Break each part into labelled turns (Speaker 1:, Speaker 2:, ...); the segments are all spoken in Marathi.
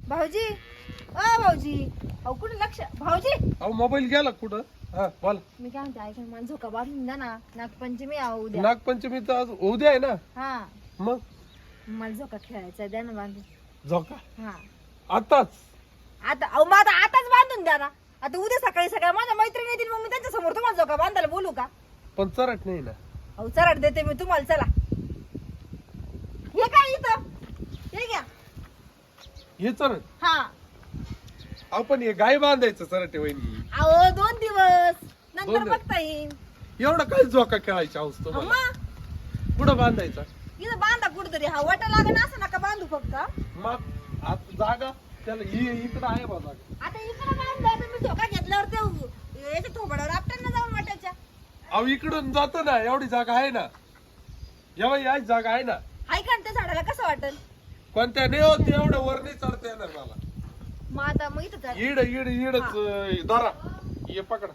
Speaker 1: भाऊजी भाऊजी अहो कुठे लक्ष भाऊजी
Speaker 2: अहो मोबाईल गेला कुठं? हा बोल.
Speaker 1: मी काय म्हणते ऐका मला झोका बांधून द्या ना नागपंचमी आहे उद्या
Speaker 2: नागपंचमी तर आज उद्या आहे ना.
Speaker 1: हा
Speaker 2: मग
Speaker 1: मला झोका खेळायचा द्या ना बांधून.
Speaker 2: झोका
Speaker 1: हा
Speaker 2: आताच?
Speaker 1: आता अहो मग आताच बांधून द्या ना. आता उद्या सकाळी सकाळी माझ्या मैत्रिणी येतील मग मी त्यांच्या समोर तुम्हाला झोका बांधायला बोलू का?
Speaker 2: पण चरट नाही ना.
Speaker 1: अहो चराट देते मी तुम्हाला. चला हे काय इथं हे घ्या.
Speaker 2: हे चरट
Speaker 1: हा
Speaker 2: आपण हे गाय बांधायचं चरट वहिनी.
Speaker 1: अहो 2 दिवस नंतर
Speaker 2: 2 दिवस.
Speaker 1: बघता येईल.
Speaker 2: एवढा काय झोका खेळायचा हौस तुम्हाला?
Speaker 1: अम्मा
Speaker 2: कुठं बांधायचा?
Speaker 1: इथं बांधा कुठतरी. हा वाटा लागण असं नका बांधू फक्त.
Speaker 2: मग आता जागा त्याला इकडं आहे बा जागा.
Speaker 1: आता इकडे बांधलं तुम्ही झोका घेतल्यावर ते याच्या थोबड्यावर आपट्यांना जाऊन वाटायच्या.
Speaker 2: अहो इकडून जातो ना एवढी जागा आहे ना. जेव्हा याच जागा आहे ना.
Speaker 1: हाय का त्या झाडाला कसं वाटेल?
Speaker 2: कोणत्या नाही होत एवढं वर नाही चढता येणार मला.
Speaker 1: मग आता मग इथं चढ.
Speaker 2: इडच धरा. ये पकडा.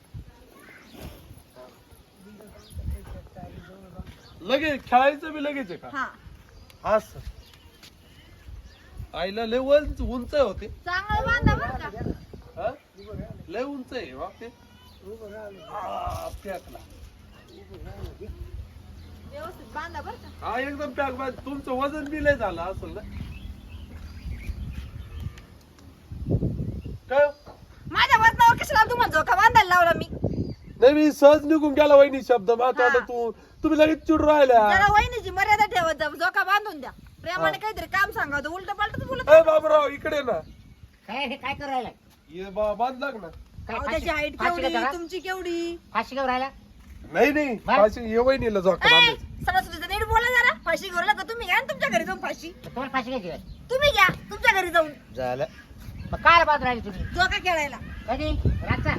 Speaker 2: लगेच खेळायचं बी लगेच आहे का?
Speaker 1: हा
Speaker 2: असं आईला लय उंच होते.
Speaker 1: चांगलं बांधा बरं का.
Speaker 2: हा? लय उंच आहे बाप ते. पॅकला
Speaker 1: व्यवस्थित बांधा बरं का.
Speaker 2: हा एकदम पॅक बांध. तुमचं वजन बी लय झालं असेल ना. काय
Speaker 1: माझ्या वजनावर कशाला तुम्हाला झोका बांधायला लावला मी?
Speaker 2: नाही मी सहज निघून गेला वहिनी शब्द मात्र
Speaker 1: हा.
Speaker 2: तुम्ही लगेच चिडून राहिल्या.
Speaker 1: जरा वहिनीची मर्यादा ठेवत जा. झोका बांधून द्या. प्रेमाने काहीतरी काम सांगा. उलट पालटच बोलत.
Speaker 2: ए बाबराव इकडे ना.
Speaker 3: काय करू राहिला?
Speaker 2: ये बांध लाग ना.
Speaker 1: अहो, त्याची हाईट
Speaker 3: फाशी
Speaker 1: केवढी
Speaker 3: घेता का?
Speaker 1: तुमची केवढी.
Speaker 3: फाशी घेऊन राहिला?
Speaker 2: नाही
Speaker 3: बाय.
Speaker 2: फाशी ये वहिनीला झोका बांधायचं.
Speaker 1: सरस्वतीचं नीट बोला जरा. फाशी घेऊन का तुम्ही घ्या ना तुमच्या घरी जाऊन फाशी.
Speaker 3: तुम्हाला फाशी घ्यायची काय?
Speaker 1: तुम्ही घ्या तुमच्या घरी जाऊन
Speaker 3: झालं. मग काय बांधून राहिली तुम्ही?
Speaker 1: झोका खेळायला.
Speaker 3: कधी? रातचा?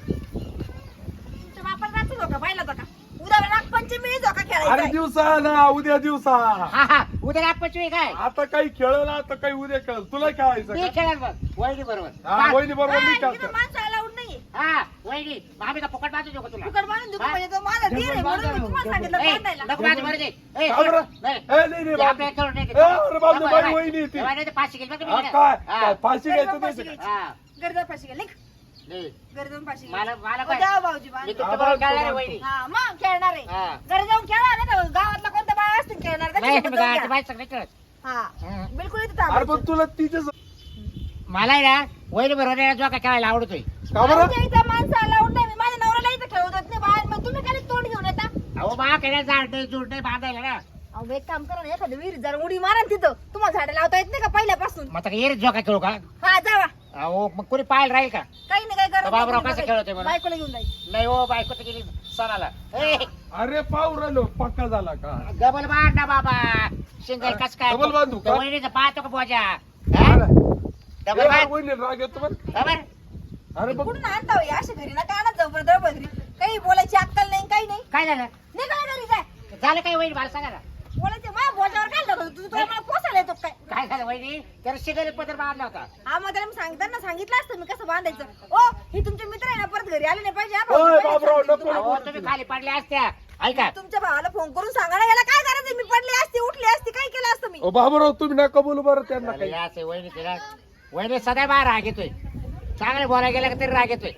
Speaker 1: तुमच्या बापाला रात्री झोका पाहिला होता का? उद्या नागपंचमी झोका
Speaker 2: अरे
Speaker 1: खेळायचा.
Speaker 2: दिवसा ना उद्या दिवसा.
Speaker 3: हा उद्या नागपंचमी काय?
Speaker 2: आता काही खेळलं आता काही उद्या खेळ. तुला खेळायचं
Speaker 3: मी
Speaker 2: का?
Speaker 3: खेळाल बघ वहिनी बरोबर.
Speaker 2: हा वहिनी बरोबर मी
Speaker 1: इथं
Speaker 2: खेळतो.
Speaker 1: माणसं अलाउड नाहीये.
Speaker 3: हा वहिनी आम्ही का फुकट बांधू नको तुला?
Speaker 1: फुकट बांधून देतो
Speaker 3: हा?
Speaker 1: म्हणजे तो माझा धीर आहे म्हणून मी तुम्हाला सांगितलं
Speaker 3: ए,
Speaker 1: बांधायला.
Speaker 3: नको बांधू बरं दे. ए,
Speaker 2: का बरं?
Speaker 3: नाही.
Speaker 2: ए, नाही
Speaker 3: ते
Speaker 2: बांधू.
Speaker 3: आपल्या याच्यावर नाही
Speaker 2: ए, अरे बांधू,
Speaker 3: नको,
Speaker 2: बाई
Speaker 3: बाई.
Speaker 2: वहिनी ती.
Speaker 3: तेव्हा नाही तर फाशी घेईल बरं तुम्ही
Speaker 2: हा,
Speaker 3: इकडे.
Speaker 2: काय
Speaker 3: हा.
Speaker 2: काय फाशी
Speaker 1: गरजा
Speaker 2: घ्यायचं
Speaker 1: फाशी
Speaker 2: नाही.
Speaker 3: हा.
Speaker 1: गरजा फाशी घ्या. लेख
Speaker 3: नाही.
Speaker 1: घरी जाऊन फाशी घ्या.
Speaker 3: मला
Speaker 1: ओ,
Speaker 3: काय?
Speaker 1: द्या भाऊजी
Speaker 3: मी
Speaker 1: बांधून.
Speaker 3: तुमच्या बरोबर खेळणार आहे वहिनी.
Speaker 1: हा मग खेळणार आहे.
Speaker 3: हा.
Speaker 1: घरी जाऊन खेळा ना तर गावातला कोणत्या बाया असतील खेळणार
Speaker 3: नाही
Speaker 1: त्याच्यासोबत
Speaker 3: मी
Speaker 1: जाऊन
Speaker 3: गावाची
Speaker 1: खेळा.
Speaker 3: बाई सगळं खेळत.
Speaker 1: हा
Speaker 3: हा.
Speaker 1: बिलकुल इथे
Speaker 2: अरे
Speaker 1: थांबायचं.
Speaker 2: पण तुला तिच्याच
Speaker 3: मला आहे ना वहिनी बरोबर जो का खेळायला आवडतोय.
Speaker 2: का बरं?
Speaker 1: आमच्या इथं माणसं अलाउड नाही. मी माझ्या नवऱ्याला इथं खेळू देत नाही बाहेर. मग तुम्ही काय तोंड घेऊन येता?
Speaker 3: अहो बा खेळायला झाड नाही जुड नाही बांधायला ना.
Speaker 1: अहो एक काम करा ना एखाद्या विहिरीत जरा उडी मारा ना तिथं. तुम्हाला झाडं लावता येत नाही का पहिल्यापासून?
Speaker 3: मग आता येईल जो का खेळू का?
Speaker 1: हा जावा.
Speaker 3: अहो मग कोणी पाहायला राहील का?
Speaker 1: काही नाही काय करा.
Speaker 3: बाबराव कसं खेळतोय मला?
Speaker 1: बायकोला घेऊन जाईल.
Speaker 3: नाही हो बायको तर गेली सणाला. ए,
Speaker 2: अरे पाहू राहिलो पक्का झाला का?
Speaker 3: डबल बांध ना बाबा. सिंगल कस काय?
Speaker 2: डबल बांधू का?
Speaker 3: त्या वहिनीचं पाहतो का बोजा?
Speaker 2: अरे,
Speaker 3: डबल बांध.
Speaker 2: वहिनीला राग येतो बरं.
Speaker 3: बरोबर?
Speaker 2: अरे बघ
Speaker 1: कुठून आणता हो? अशा घरी ना का ना जबरदस्त बदरी. काही बोलायची अक्कल नाही काही नाही.
Speaker 3: काय झालं?
Speaker 1: निघा घरी जाय.
Speaker 3: झालं काय वहिनी मला सांगा ना.
Speaker 1: बोलायचं माझ्या बोटावर काय टाकतो तू? तुला मला पोसायला येतो काय?
Speaker 3: काय झालं वहिनी? त्याला सिंगल पदर बांधला होता.
Speaker 1: हा मग त्याला मी सांगताना सांगितलं असतं मी कसं बांधायचं. ओ हे तुमचे मित्र आहे ना परत घरी आले नाही पाहिजे. हा भाऊ,
Speaker 2: ओय,
Speaker 1: पहिले
Speaker 2: बाबराव,
Speaker 1: सांगितलं
Speaker 2: नको,
Speaker 1: तुम्हाला.
Speaker 3: अहो तुम्ही खाली पडल्या असत्या. ऐका
Speaker 1: तुमच्या भावाला फोन करून सांगा ना याला काय करायचं. मी पडली असती उठली असती काय केलं असतं मी.
Speaker 2: ओ बाबूराव तुम्ही नका बोलू बरं त्यांना
Speaker 3: झालं
Speaker 2: काही.
Speaker 3: या असं वहिनी तिला वहिनी सदा बाहेर राग येतोय. चांगले बोलायला गेला का तरी राग येतोय.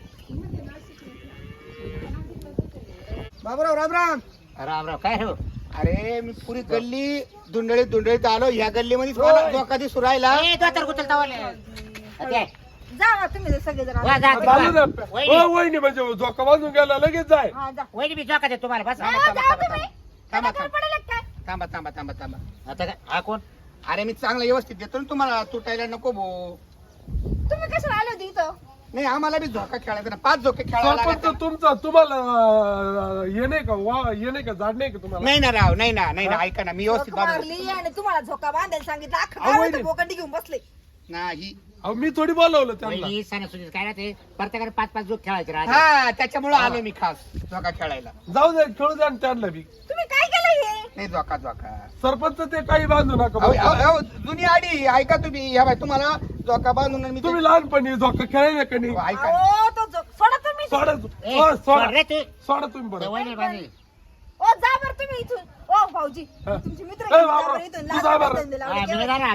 Speaker 4: बाबराव राम राम.
Speaker 3: राम राम काय हो?
Speaker 4: अरे मी पुरी गल्ली धुंडळीत आलो. ह्या गल्लीमध्ये मला धोका दिसू राहिला.
Speaker 3: ए, दोतर गुतल तवाले. ते,
Speaker 1: जा ना तुम्ही सगळेजण.
Speaker 3: वा, जा,
Speaker 2: चालू
Speaker 3: जा.
Speaker 2: द्या.
Speaker 3: वहिनी.
Speaker 2: ओ, वहिनी म्हणजे झोका बांधून गेला लगेच जाय.
Speaker 1: हा जा.
Speaker 3: वहिनी मी जोका दे तुम्हाला बस.
Speaker 1: नाही,
Speaker 4: थांबा,
Speaker 1: जा
Speaker 4: थांबा,
Speaker 1: तुम्ही.
Speaker 4: थांबा,
Speaker 1: त्याला काय पडेल काय?
Speaker 4: थांबा.
Speaker 3: आता काय हा कोण?
Speaker 4: अरे मी चांगलं व्यवस्थित देतो ना तुम्हाला. तुटायला नको भो.
Speaker 1: तुम्ही कशाला आले होते इथं?
Speaker 4: नाही आम्हाला बी झोका खेळायचा ना. 5 झोके खेळायला
Speaker 2: सरपंच
Speaker 4: लागतात.
Speaker 2: तुमचा तुम्हाला हे नाही का हे नाही का झाड नाही का तुम्हाला?
Speaker 4: नाही ना राव नाही ना ऐका ना मी व्यवस्थित
Speaker 1: झोका
Speaker 4: बाबा
Speaker 1: मारली आणि तुम्हाला झोका बांधायला सांगितलं. अख्खं
Speaker 2: अहो,
Speaker 1: गाव
Speaker 2: वहिनी.
Speaker 1: इथं बोकंडी घेऊन बसले.
Speaker 4: नाही.
Speaker 2: अहो मी थोडी बोलवलं त्यांना.
Speaker 3: वहिनी सणासुदीत काय ना ते प्रत्येकाने 5-5 जोक खेळायचे राहते.
Speaker 4: हा त्याच्यामुळे आलो मी खास झोका खेळायला.
Speaker 2: जाऊ दे खेळू द्या ना त्यांना बी.
Speaker 1: तुम्ही काय केलं हे?
Speaker 4: नाही झोका
Speaker 2: सरपंच ते काही बांधू नका
Speaker 4: अहो,
Speaker 2: बरं.
Speaker 4: अहो, अहो, जुनी आडी ऐका तुम्ही. या बाय तुम्हाला झोका बांधून मी
Speaker 2: तुम्ही लहानपणी झोका खेळायला का नाही?
Speaker 4: ऐका
Speaker 1: अहो, तो सोडा तुम्ही.
Speaker 2: सोडा
Speaker 3: ए,
Speaker 2: ओ,
Speaker 3: सोड रे
Speaker 2: सोडा
Speaker 3: तू.
Speaker 2: सोडा तुम्ही
Speaker 3: ते
Speaker 2: बरं.
Speaker 3: वहिनी बांधली.
Speaker 1: ओ जा बरं तुम्ही इथून. ओ भाऊजी
Speaker 2: हा.
Speaker 1: तुमचे मित्र
Speaker 2: ए,
Speaker 1: आहेत, जा
Speaker 2: बाबा,
Speaker 1: बरं इथून.
Speaker 2: तू
Speaker 1: लाज
Speaker 2: जा बरं.
Speaker 1: वाटते ना,
Speaker 3: हा,
Speaker 1: लावले
Speaker 3: मी
Speaker 1: गेले.
Speaker 3: जाणार आता.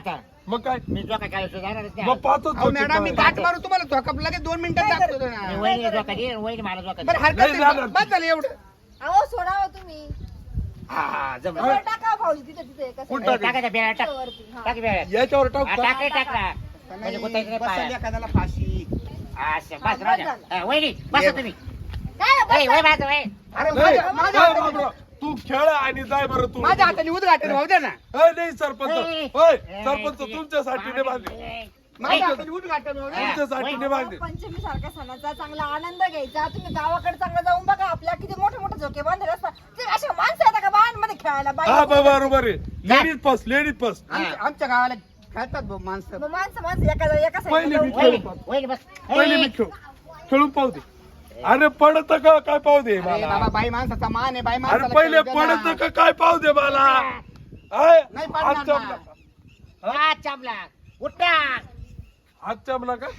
Speaker 2: मग काय
Speaker 3: मी जोका खेळायचो जाणारच
Speaker 2: मग
Speaker 3: नाही.
Speaker 2: पाचच
Speaker 4: अहो
Speaker 2: होते
Speaker 4: मॅडम मी
Speaker 2: काय.
Speaker 4: गाठ मारू तुम्हाला झोका लगेच 2 मिनिटात
Speaker 1: काय
Speaker 4: दाखवतो
Speaker 1: करतो?
Speaker 3: मी
Speaker 4: ना.
Speaker 3: वहिनी जोका दे वहिनी मला जोका
Speaker 4: बरं
Speaker 3: दे.
Speaker 4: हरकत
Speaker 2: नाही
Speaker 4: नाही.
Speaker 2: जाणार.
Speaker 4: बस झालं एवढं.
Speaker 1: अहो सोडावं तुम्ही
Speaker 3: हा जमलं.
Speaker 1: वर टाका भाऊजी तिथे तिथे कसं
Speaker 2: कुठं?
Speaker 3: टाकायच्या बेळा टाक
Speaker 1: वरती, हा.
Speaker 3: टाक बेळा
Speaker 2: याच्यावर टाक
Speaker 3: टाक रे, टाक ना. म्हणजे गुतायचं नाही
Speaker 4: बसेल
Speaker 3: पाया.
Speaker 4: एखाद्याला फाशी.
Speaker 3: असं,
Speaker 1: हा,
Speaker 3: बस राहू द्या.
Speaker 1: बस झालं.
Speaker 3: हा, वहिनी बसा तुम्ही.
Speaker 1: काय
Speaker 3: वही,
Speaker 1: बसा?
Speaker 3: वही माझं, वही.
Speaker 4: अरे
Speaker 2: नाही,
Speaker 4: माझ्या
Speaker 2: नाही,
Speaker 4: हाताने-
Speaker 2: बाबराव, तू खेळ आणि जाय बरं तू
Speaker 4: माझ्या हाताने उद्घाटन भाऊ द्या ना.
Speaker 2: नाही सरपंच
Speaker 3: ए,
Speaker 2: होय
Speaker 3: ए,
Speaker 2: सरपंच
Speaker 3: ए,
Speaker 2: तुमच्यासाठी नाही बांधले
Speaker 4: माझ्या हाताने उद्घाटन भाऊ द्या.
Speaker 2: तुमच्यासाठी नाही बांधले
Speaker 1: पंचमी सारख्या सणाचा चांगला आनंद घ्यायचा. तुम्ही गावाकडे चांगलं जाऊन बघा. आपल्या किती मोठे मोठे झोके बांधले असतात. ते अशा माणसं येतात का बाळांमध्ये खेळायला
Speaker 2: हा
Speaker 1: बाई
Speaker 2: बरोबर आहे लेडीज फर्स्ट लेडीज फर्स्ट
Speaker 4: आमच्या गावाला खेळतात भाऊ माणसं.
Speaker 1: मग माणसं एका
Speaker 2: पहिले
Speaker 1: साईडला
Speaker 2: मी
Speaker 1: जाऊन-
Speaker 2: खेळू.
Speaker 3: वहिनी, वहिनी बस.
Speaker 2: पहिले
Speaker 3: ए,
Speaker 2: मी खेळून पाहू दे अरे पडत का काय पाहू दे
Speaker 4: अरे बाबा
Speaker 2: मला
Speaker 4: बाई माणसाचा मान आहे बाई
Speaker 2: अरे
Speaker 4: माणसाला
Speaker 2: पहिले
Speaker 4: खेळू द्या ना.
Speaker 2: पडत का काय पाहू दे मला हाय?
Speaker 4: नाही पडणार
Speaker 2: हात
Speaker 4: ना.
Speaker 2: चापला
Speaker 3: हा, चापला. उठा.
Speaker 2: हात चापला का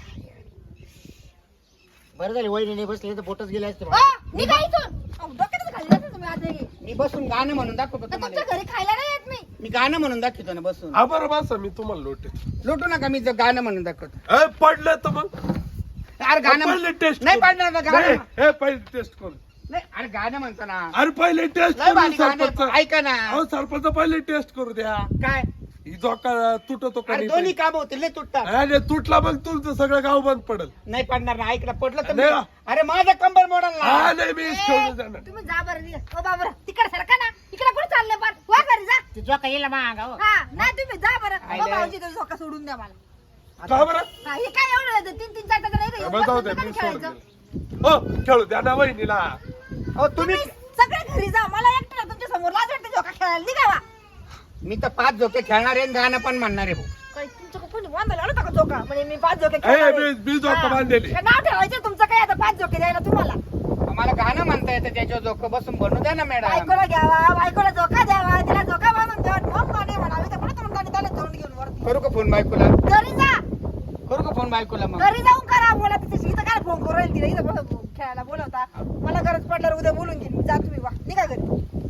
Speaker 3: बरं झाली वहिनी नाही बसली तर बोटच गेले असते
Speaker 1: आ, निघा इथून. अहो, डोक्यातच घालले असेल तुम्ही आज हे.
Speaker 4: मी बसून गाणं म्हणून दाखवतो
Speaker 1: तर तुमच्या
Speaker 4: तुम्हाला.
Speaker 1: घरी खायला नाही येत मी.
Speaker 4: मी गाणं म्हणून दाखवतो ना बसून.
Speaker 2: हा बरं बस मी तुम्हाला लोटे
Speaker 4: लुटू नका मी जर गाणं म्हणून दाखवतो.
Speaker 2: पडलं तर मग
Speaker 4: अरे गाणं
Speaker 2: पहिले टेस्ट
Speaker 4: नाही पडणार ना गाणं.
Speaker 2: हे पहिले टेस्ट करू
Speaker 4: नाही अरे गाणं म्हणतो ना.
Speaker 2: अरे पहिले टेस्ट
Speaker 4: लय
Speaker 2: करू
Speaker 4: भारी गाणं
Speaker 2: सरपंच
Speaker 4: आहे. ऐका ना.
Speaker 2: अहो सरपंच पहिले टेस्ट करू द्या
Speaker 4: काय
Speaker 2: ही जोका तुटतो का
Speaker 4: अरे
Speaker 2: नाही
Speaker 4: दोन्ही काम होतील लय तुटतात.
Speaker 2: अरे तुटला मग तुमचं सगळं गाव बंद पडल
Speaker 4: नाही पडणार ना. ऐकलं पडलं तर
Speaker 2: नाही.
Speaker 4: मी- अरे माझं कंबर मोडल
Speaker 2: हा
Speaker 4: ना.
Speaker 2: नाही मी
Speaker 1: ए,
Speaker 2: खेळून जाणार
Speaker 1: तुम्ही जा बरं निघा. ओ बाबा तिकडे सरका ना. इकडे कुठे चालले पण वा घरी जा.
Speaker 3: ती जोका येईल माग हो.
Speaker 1: हा नाही तुम्ही जा बरं.
Speaker 4: आयले.
Speaker 1: ओ भाऊजी तो झोका सोडून द्या मला.
Speaker 2: का बरं
Speaker 1: हा, हे काय एवढं 3-4 तास नाही
Speaker 2: बरं, जाऊ दे, मी सोडून दिलं. हो खेळू द्या ना वहिनीला
Speaker 4: अहो तुम्ही
Speaker 1: तुम्ही सगळे घरी जा. मला एकट्याला तुमच्या समोर लाज वाटते झोका खेळायला. निघावा.
Speaker 4: मी तर 5 झोके खेळणार आहे आणि गाणं पण म्हणणार आहे भाऊ.
Speaker 1: काय तुमचं कोणी बांधायला आलं होतं का झोका? म्हणजे मी 5 झोके
Speaker 2: ए,
Speaker 1: खेळणार आहे.
Speaker 2: मी झोका
Speaker 1: हा.
Speaker 2: बांधलेली.
Speaker 1: काय नाव ठेवायचं तुमचं काय आता 5 झोके द्यायला तुम्हाला.
Speaker 4: मला गाणं म्हणता येतं त्याच्यावर झोकं बसून बनवू द्या ना मॅडम.
Speaker 1: बायकोला घ्यावा, बायकोला झोका द्यावा, तिला झोका बांधून द्यावा. मग गाणे म्हणावे तर पुढे तोंडाने त्याला तोंड घेऊन वरती.
Speaker 4: करू का फोन बायकोला.
Speaker 1: घरी जा.
Speaker 4: करू का फोन बायकोला मग.
Speaker 1: घरी जाऊन करा. बोला तिथे इथं काय फोन करू राहील तिला. इथं खेळायला बोलवता. मला गरज पडल्यावर उद्या बोलून घेईन मी. जा तुम्ही वा. निघा घरी.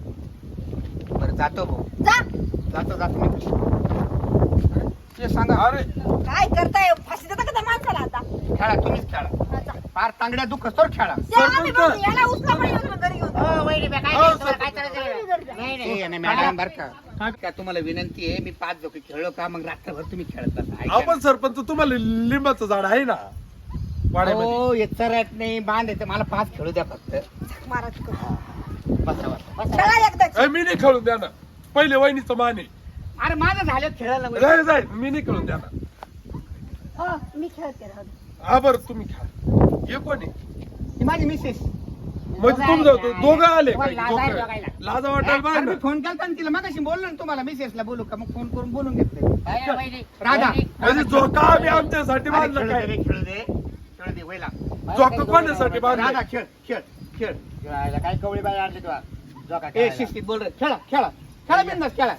Speaker 4: बरं जातो भाऊ.
Speaker 1: जा.
Speaker 4: जातो मी. ते सांगा.
Speaker 2: अरे
Speaker 1: काय करताय? फाशी देता का त्या माणसाला आता?
Speaker 4: खेळा तुम्हीच खेळा.
Speaker 1: हा, जा.
Speaker 4: फार तांगड्या दुःख तर खेळा.
Speaker 1: त्या आम्ही
Speaker 2: सरपंच.
Speaker 1: बघू. याला उचला पण येऊ घरी घेऊन.
Speaker 3: हो, वहिनी बे, काय
Speaker 2: हो,
Speaker 3: करायचं? तुम्हाला काय
Speaker 2: सरपंच.
Speaker 3: करायचं? नाही
Speaker 4: ते
Speaker 3: नाही
Speaker 4: नाही मॅडम बर का तुम्हाला विनंती आहे. मी 5 झोके खेळलो का मग रात्रभर तुम्ही खेळत बसा. ऐका
Speaker 2: आपण सरपंच तुम्हाला लिंबाचं झाड आहे ना
Speaker 4: ना.
Speaker 2: वाड्यामध्ये
Speaker 4: हो येत रॅट नाही बांध येते. मला 5 खेळू द्या फक्त.
Speaker 1: महाराज करू.
Speaker 4: बसा बसा.
Speaker 1: चला एकदाच.
Speaker 2: ए, मी नाही खेळून द्या ना पहिले वहिनीचं माने
Speaker 4: अरे माझं झालं खेळायला.
Speaker 2: जाय जाय मी नाही खेळून द्या ना
Speaker 1: हो, मी खेळते राहू दे.
Speaker 2: हा बरं तुम्ही खेळा हे कोणी
Speaker 4: ही माझी मिसेस.
Speaker 2: म्हणजे तुमचं दोघं आले
Speaker 3: तुम्हाला लाज आहे
Speaker 2: दोघं.
Speaker 3: दोघायला.
Speaker 2: लाज वाटायला
Speaker 4: अरे
Speaker 2: पाहिजे
Speaker 4: मी
Speaker 2: ना.
Speaker 4: फोन केला आणि तिला मगाशी बोललो ना तुम्हाला मिसेसला बोलू का मग फोन करून बोलून घेतलं.
Speaker 3: काय रे, वहिनी?
Speaker 4: राधा.
Speaker 3: वहिनी.
Speaker 2: म्हणजे जोका आम्ही आमच्यासाठी
Speaker 4: अरे
Speaker 2: बांधलं
Speaker 4: खेळू
Speaker 2: काय
Speaker 4: दे रे, खेळू दे खेळू दे वैला.
Speaker 2: जोका कोणासाठी
Speaker 4: राधा
Speaker 2: बांधलं
Speaker 4: खेळ खेळ खेळ.
Speaker 3: खेळायला काय कवळी बाई आणली तुला जोका
Speaker 4: ए
Speaker 3: खेळायला.
Speaker 4: शिस्तीत बोल रे. खेळा खेळा खेळा बिंदास खेळा.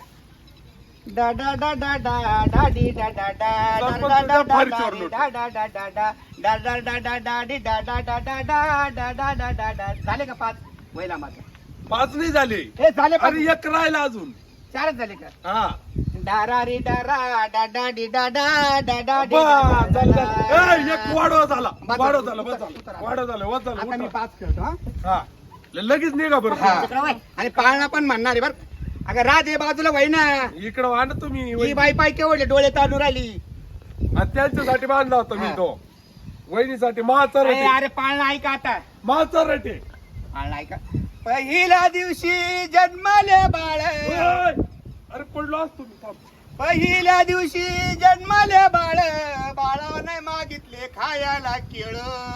Speaker 4: डा डा डा डा डा डा डी डा डा डा डा डा डा डा डा डी डा डा डा डा डा डा डा डा डा डा डी डा डा डा डा डा डा डा डा डा डा. झाले का 5 वैला माझे.
Speaker 2: 5 नाही झाले
Speaker 4: हे झाले 5.
Speaker 2: अरे एक राहिला अजून
Speaker 4: 4च झाले का.
Speaker 2: हा
Speaker 4: डारा री डारा डा डा डी डा डा डा डा डी
Speaker 2: बस, झालं,
Speaker 4: डा
Speaker 2: झालं.
Speaker 4: डा.
Speaker 2: ए, एक वाढवा झाला
Speaker 4: बस,
Speaker 2: वाढव
Speaker 4: बस,
Speaker 2: झाला
Speaker 4: उतर,
Speaker 2: बस
Speaker 4: उतर,
Speaker 2: झालं
Speaker 4: उतर.
Speaker 2: वाढव झालं वच झालं
Speaker 4: आता मी
Speaker 2: उठा.
Speaker 4: 5 खेळतो हा.
Speaker 2: हा लगेच निघा बरं
Speaker 4: हा.
Speaker 3: तिकडं वळ.
Speaker 4: आणि पाळणा पण म्हणणार आहे बर. अगं राधे बाजूला वय ना.
Speaker 2: इकडं वा ना तुम्ही
Speaker 4: ही बाई पाय केवढले डोळे ताणून राहिली.
Speaker 2: आणि त्यांच्यासाठी बांधला होता मी
Speaker 4: हा.
Speaker 2: तो वहिनीसाठी महाचा
Speaker 4: अरे
Speaker 2: रटे
Speaker 4: अरे पाळणा ऐका आता.
Speaker 2: महाचा रटे
Speaker 4: पाळणा ऐका. पहिल्या दिवशी जन्मले बाळ.
Speaker 2: ओय! अरे पडलो असतो मी थांब.
Speaker 4: पहिल्या दिवशी जन्मले बाळ. बाळाने मागितले खायला केळ.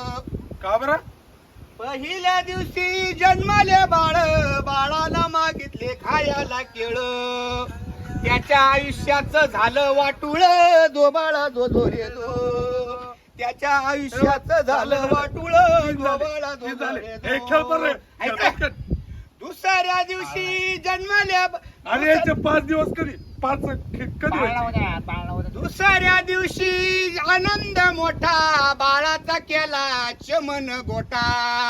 Speaker 2: का बरं
Speaker 4: पहिल्या दिवशी जन्मले बाळ. बाळाला मागितले खायला केळ. त्याच्या आयुष्याचं झालं वाटुळ. दो बाळा दो दो रे दो. त्याच्या आयुष्याचं झालं वाटुळ. दो बाळा दो
Speaker 2: हे
Speaker 4: दो
Speaker 2: झाले.
Speaker 4: रे
Speaker 2: हे खेळ
Speaker 4: दो.
Speaker 2: बरं
Speaker 4: ऐका. दुसऱ्या दिवशी जन्मल्या.
Speaker 2: अरे याचे 5 दिवस कधी 5 कधी
Speaker 3: पाळणा
Speaker 2: व्हायचे?
Speaker 3: उद्या, पाळणा उद्या.
Speaker 4: दुसऱ्या दिवशी आनंद मोठा. बाळाचा केला चमन गोटा.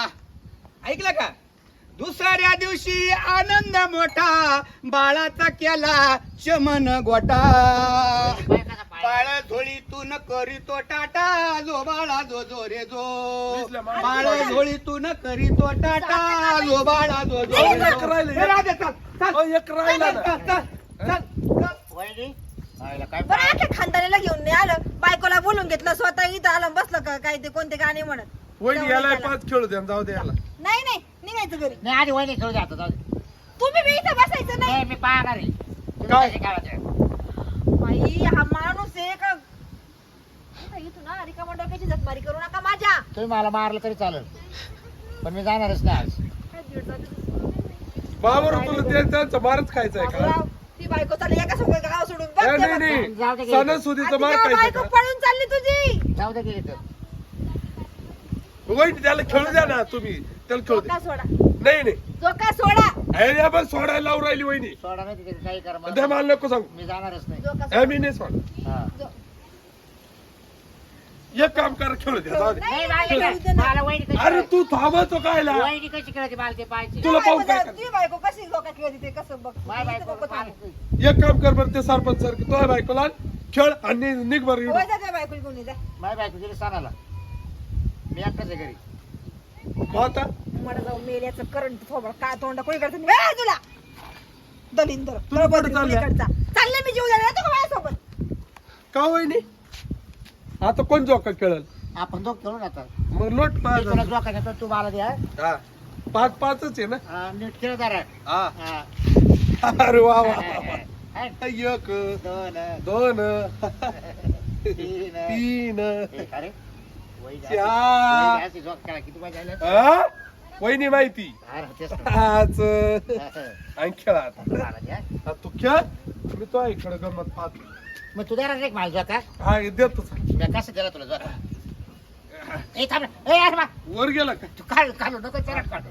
Speaker 4: ऐकलं का. दुसऱ्या दिवशी आनंद मोठा. बाळाचा केला चमन गोटा.
Speaker 3: बाय कसा पाळणा?
Speaker 4: बाळ झोळीतून करीतो टाटा जो बाळा जो जो रे जो
Speaker 2: दिसलं मला.
Speaker 4: बाळ झोळीतून करीतो टाटा जो बाळा जो जो रे
Speaker 2: एक
Speaker 4: जो.
Speaker 2: राहिलं,
Speaker 4: ए, राधे, चल, चल.
Speaker 2: अहो, एक राहिला ना.
Speaker 4: चल, चल, चल, चल.
Speaker 3: वहिनी आईला काय
Speaker 1: बरं आख्या खानदानीला घेऊन नाही आलं बायकोला बोलून घेतलं स्वतः इथं आलं बसलं का काय ते कोणते गाणे म्हणत
Speaker 2: वहिनी याला 5 खेळू द्या जाऊ दे याला.
Speaker 1: नाही नाही निघायचं घरी
Speaker 3: नाही आधी वहिनी खेळू जातो जाऊ दे.
Speaker 1: तुम्ही बी इथं बसायचं नाही
Speaker 3: नाही मी पाहणार आहे तुम्ही
Speaker 2: काय?
Speaker 3: कशी खेळायचे?
Speaker 1: बाई हा माणूस आहे का इथून ना रिकामा डोक्याची जखमारी करू नका माझ्या
Speaker 3: तुम्ही मला मारलं तरी चालेल पण मी जाणारच नाही आज.
Speaker 1: काय दीड जाती
Speaker 2: बाबर तुला त्यांचा मारच खायचा आहे का?
Speaker 1: बाबूराव, ती बायको चालली एका सोबत गाव सोडून बघ
Speaker 2: ए,
Speaker 1: ते
Speaker 2: नाही
Speaker 1: बघ.
Speaker 3: जाऊ दे
Speaker 2: नाही
Speaker 3: की.
Speaker 2: सणासुदीचं मार
Speaker 1: आधी
Speaker 2: खायचं
Speaker 1: बायको
Speaker 2: का?
Speaker 1: पळून चालली तुझी
Speaker 3: जाऊ दे गेली तर
Speaker 2: वहिनी त्याला खेळू द्या ना तुम्ही त्याला खेळू
Speaker 1: जोका
Speaker 2: द्या.
Speaker 1: सोडा
Speaker 2: नाही नाही
Speaker 1: जोका सोडा
Speaker 2: अरे या बस सोडायला लावून राहिली वहिनी.
Speaker 3: सोडा नाही तिथे काही कर मला.
Speaker 2: द्या मला नको सांगू.
Speaker 3: मी जाणारच नाही.
Speaker 1: जोका
Speaker 2: ए,
Speaker 1: सोडा
Speaker 2: मी नाही सोड.
Speaker 3: हा.
Speaker 2: एक काम कर खेळू द्या जाऊ दे.
Speaker 3: नाही
Speaker 1: नाही,
Speaker 3: मला
Speaker 1: खेळू दे ना.
Speaker 3: मला वहिनी कशी
Speaker 2: अरे तू थांबतो कायला
Speaker 3: वहिनी कशी खेळते मला ते पाहायचे.
Speaker 2: तुला पाहून काय
Speaker 1: बायको- ती बायको कशी जोका खेळते ते कसं बघ
Speaker 3: माय
Speaker 1: इथं
Speaker 3: बायको
Speaker 1: नको थांबू.
Speaker 3: पाहते.
Speaker 2: एक काम कर बरं ते सरपंच सर तो बायकोला आण, खेळ आणि निघ बरं इकडून.
Speaker 1: होय, जा त्या बायकोला घेऊन ये, जा.
Speaker 3: माय बायको गेली सणाला मी एकटाच आहे घरी.
Speaker 2: मग आता
Speaker 1: मला जाऊन मेल्याचं करंट थोबड काय तोंड कोणी करत नाही तुला दलिंदर
Speaker 2: तुम्ही कुठं चालल्या?
Speaker 1: चालले मी जीव द्यायला येतो का माझ्यासोबत
Speaker 2: का वहिनी आता कोण जोका खेळल
Speaker 3: आपण दोघ खेळून आता
Speaker 2: मग लोट
Speaker 3: मी
Speaker 2: पाच
Speaker 3: तुला जोका देतो तू मला द्या.
Speaker 2: हा 5-5च आहे ना.
Speaker 3: नीट खेळ जरा.
Speaker 2: हा
Speaker 3: हा.
Speaker 2: अरे वा वा
Speaker 3: हा.
Speaker 2: एक
Speaker 3: दोन
Speaker 2: 2
Speaker 3: तीन
Speaker 2: 3
Speaker 3: एक. अरे वही जा.
Speaker 2: चार.
Speaker 3: वही जायची जोक खेळा. किती मजा आली?
Speaker 2: हा? वहिनी माहिती
Speaker 3: अरे तेच तर.
Speaker 2: 5
Speaker 3: हा.
Speaker 2: आणि खेळा आता.
Speaker 3: मला द्या.
Speaker 2: हा, तू खेळ मी तो इकडे गमत पाहतो.
Speaker 3: मग तू देणार नाही का मला जोका?
Speaker 2: हा हे देतो
Speaker 3: मी कसं दिला तुला जोका? ए थांब रे. ए अरे मा.
Speaker 2: वर गेला का
Speaker 3: तू काढू नको चरट काढू.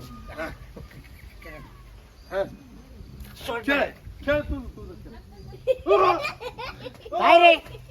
Speaker 2: हा.
Speaker 3: सोड.
Speaker 2: खेळ खेळ तू तुझं खेळ.
Speaker 3: काय रे